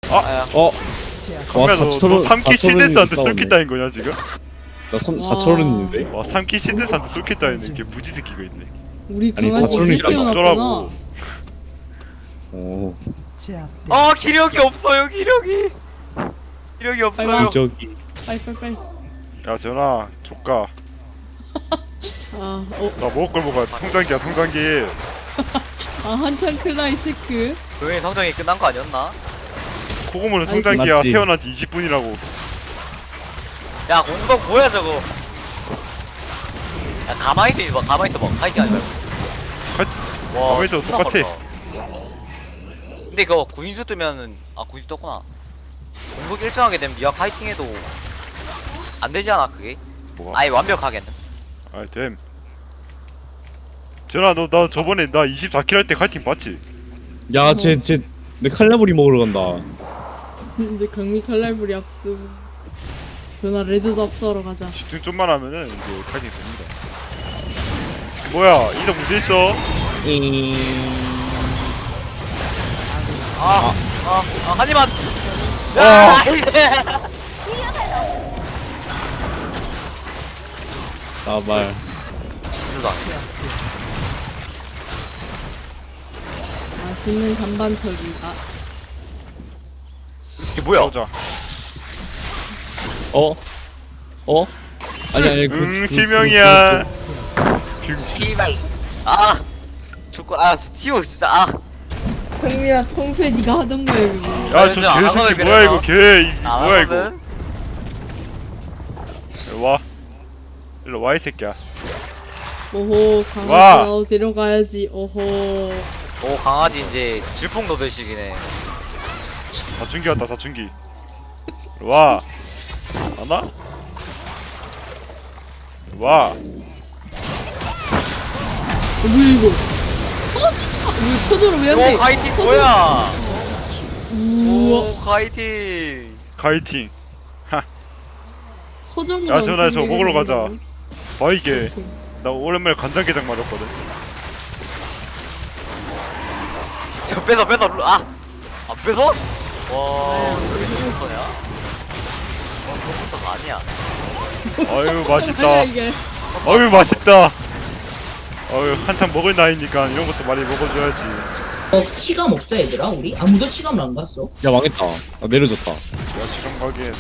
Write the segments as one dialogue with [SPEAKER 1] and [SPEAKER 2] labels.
[SPEAKER 1] 아야.
[SPEAKER 2] 강미야 너 3킬 실드스한테
[SPEAKER 3] 4,000원
[SPEAKER 2] 쏠킬 따인 거냐 지금?
[SPEAKER 3] 나 4,000원인데?
[SPEAKER 2] 와 3킬 실드스한테 쏠킬 따이는 이게 무지 새끼가 있네.
[SPEAKER 1] 우리
[SPEAKER 3] 아니,
[SPEAKER 1] 강아지
[SPEAKER 3] 사촌이
[SPEAKER 1] 이렇게 태어났구나.
[SPEAKER 2] 어쩌라고.
[SPEAKER 3] 어
[SPEAKER 4] 기력이 없어요 기력이. 기력이
[SPEAKER 1] 빨리
[SPEAKER 4] 없어요.
[SPEAKER 1] 와.
[SPEAKER 3] 저기
[SPEAKER 1] 빨리.
[SPEAKER 2] 야 전화 조카
[SPEAKER 1] 아,
[SPEAKER 2] 나 먹을 걸 먹어야 돼. 성장기야 성장기.
[SPEAKER 1] 한창 클라이 체크.
[SPEAKER 4] 조용히 성장이 끝난 거 아니었나?
[SPEAKER 2] 코고모는 성장기야.
[SPEAKER 3] 맞지.
[SPEAKER 2] 태어난 지 20분이라고.
[SPEAKER 4] 야 공격 뭐야 저거. 야 가만히 있어봐 가만히 있어봐 파이팅 하지 말고. 와
[SPEAKER 2] 가만히 있어도
[SPEAKER 4] 존나
[SPEAKER 2] 똑같아.
[SPEAKER 4] 빠르다. 근데 그거 구인수 뜨면은 구인수 떴구나. 공격 1등하게 되면 미아 파이팅해도 안 되지 않아 그게?
[SPEAKER 2] 뭐가?
[SPEAKER 4] 아예 완벽하게는.
[SPEAKER 2] 아이 됨. 전화 너 나 저번에 나 24킬 할 때 카이팅 봤지?
[SPEAKER 3] 야쟤내 칼라브리 먹으러 간다.
[SPEAKER 1] 근데 강미 칼날불이 압수. 전화 레드도 압수하러 가자.
[SPEAKER 2] 집중 좀만 하면은 이제 카이팅 됩니다. 이 새끼 뭐야? 이성 문제 있어?
[SPEAKER 4] 하지만.
[SPEAKER 3] 나말
[SPEAKER 1] 맛있는 잔반털이.
[SPEAKER 4] 이게 뭐야?
[SPEAKER 2] 보자.
[SPEAKER 3] 아니
[SPEAKER 2] 실명이야.
[SPEAKER 4] 씨발. 죽고 티오 진짜
[SPEAKER 1] 강미야 평소에 네가 하던 거야 이거.
[SPEAKER 2] 야, 저
[SPEAKER 4] 진짜 안 하거든,
[SPEAKER 2] 개새끼 뭐야 이거
[SPEAKER 4] 그래서.
[SPEAKER 2] 개 뭐야 이거? 일로 와. 일로 와 이 새끼야.
[SPEAKER 1] 오호
[SPEAKER 2] 와.
[SPEAKER 1] 강아지 데려가야지. 오호.
[SPEAKER 4] 오 강아지 이제 질풍 노들식이네.
[SPEAKER 2] 사춘기 왔다 사춘기. 일로 와. 하나? 일로 와.
[SPEAKER 1] 뭐야 이거? 왜 포도를 왜 안 돼?
[SPEAKER 4] 오 카이팅 뭐야?
[SPEAKER 1] 우와.
[SPEAKER 4] 오 카이팅.
[SPEAKER 2] 카이팅.
[SPEAKER 1] 허정이랑
[SPEAKER 2] 야, 전화 저거 먹으러 가자.
[SPEAKER 1] 생각이
[SPEAKER 2] 봐 이게. 나 오랜만에 간장게장 맞았거든.
[SPEAKER 4] 저 뺏어 안 뺏어? 와 저게 무슨 거냐? 그거부터가 아니야.
[SPEAKER 2] 아유
[SPEAKER 1] 아니야
[SPEAKER 2] 맛있다.
[SPEAKER 1] 이게.
[SPEAKER 2] 아유 맛있다. 아유 한창 먹을 나이니까 이런 것도 많이 먹어줘야지.
[SPEAKER 5] 치감 없어 얘들아 우리? 아무도 치감을 안 갔어.
[SPEAKER 3] 야 망했다. 내려졌다.
[SPEAKER 2] 야 시간 가기에는.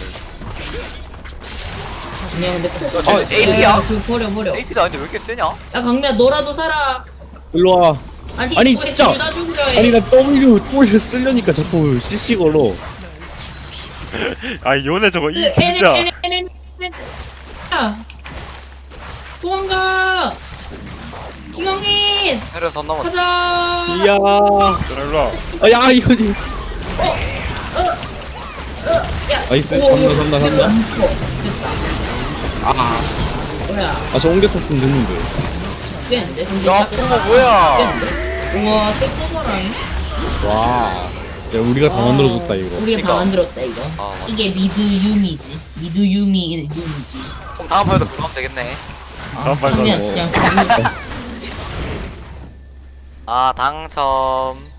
[SPEAKER 5] 그냥 근데 코.
[SPEAKER 4] 저 AP야?
[SPEAKER 5] 그 버려.
[SPEAKER 4] AP도 아닌데 왜 이렇게 세냐?
[SPEAKER 5] 야 강미야 너라도 살아.
[SPEAKER 3] 일로 와.
[SPEAKER 5] 아니
[SPEAKER 3] 아니,
[SPEAKER 5] 우리
[SPEAKER 3] 진짜.
[SPEAKER 5] 둘다 죽으려 해.
[SPEAKER 3] 아니 나 W 쓰려니까 자꾸 CC 걸어.
[SPEAKER 2] 아 요네 저거 이 진짜.
[SPEAKER 5] 야, 도망가. 김영민
[SPEAKER 4] 해를 선 넘었지.
[SPEAKER 5] 가자.
[SPEAKER 3] 이야.
[SPEAKER 2] 전화 일로 와.
[SPEAKER 3] 야 이거.
[SPEAKER 5] 야,
[SPEAKER 3] 나이스.
[SPEAKER 5] 오,
[SPEAKER 3] 산다.
[SPEAKER 5] 됐다. 뭐야?
[SPEAKER 3] 저 옮겨 탔으면 됐는데.
[SPEAKER 5] 됐는데? 근데
[SPEAKER 4] 야 그거 뭐야?
[SPEAKER 5] 우와 떼꼬마라니?
[SPEAKER 3] 와. 야 우리가 다 만들어줬다 이거.
[SPEAKER 5] 우리가
[SPEAKER 4] 그러니까.
[SPEAKER 5] 다 만들었다 이거.
[SPEAKER 4] 맞다.
[SPEAKER 5] 이게 미드유미지. 미드유미지.
[SPEAKER 4] 그럼 다음 판에도 그거 하면 되겠네.
[SPEAKER 2] 다음 판
[SPEAKER 5] 그냥
[SPEAKER 3] 뭐.
[SPEAKER 5] 그냥
[SPEAKER 4] 당첨.